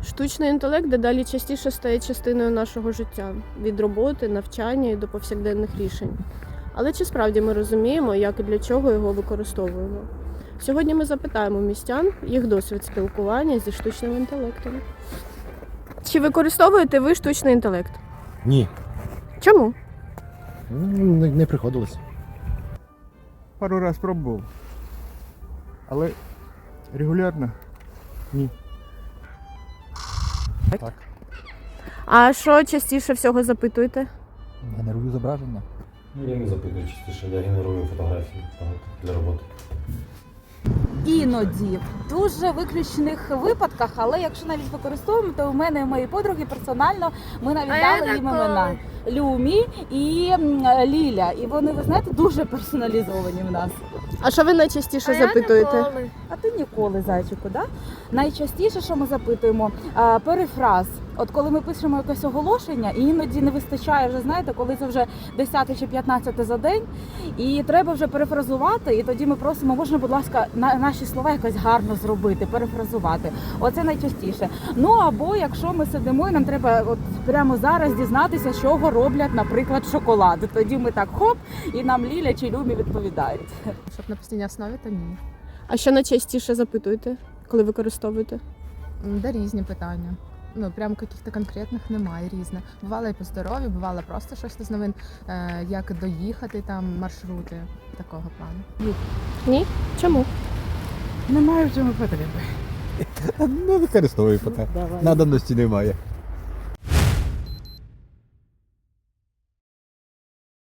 Штучний інтелект дедалі частіше стає частиною нашого життя від роботи, навчання і до повсякденних рішень. Але чи справді ми розуміємо, як і для чого його використовуємо? Сьогодні ми запитаємо містян їх досвід спілкування зі штучним інтелектом. Чи використовуєте ви штучний інтелект? Ні. Чому? Не приходилось. Пару раз пробував. Але регулярно ні. Так. А що частіше всього запитуєте? Генерую зображення. Я не запитую частіше, я генерую фотографії для роботи. Іноді, в дуже виключених випадках, але якщо навіть використовуємо, то у мене і моєї подруги персонально ми навіть дали їм імена Люмі і Ліля. І вони, ви знаєте, дуже персоналізовані в нас. А що ви найчастіше запитуєте? А ти ніколи, зайчику, да? Найчастіше, що ми запитуємо, перефраз. От коли ми пишемо якесь оголошення, і іноді не вистачає вже, знаєте, коли це вже 10 чи 15 за день, і треба вже перефразувати, і тоді ми просимо, можна, будь ласка, наші слова якось гарно зробити, перефразувати. Оце найчастіше. Ну, або якщо ми сидимо, і нам треба от прямо зараз дізнатися, з чого роблять, наприклад, шоколад. Тоді ми так хоп, і нам Ліля чи Люмі відповідають. Щоб на постійній основі, то ні. А що найчастіше запитуєте, коли використовуєте? Да різні питання. Ну, прям каких-то конкретних немає, різне. Бувало і по здоров'ю, бувало просто щось з новин, як доїхати, там, маршрути такого плану. Ні? Чому? Немає в цьому потреби. Не використовую поки. Надобності немає.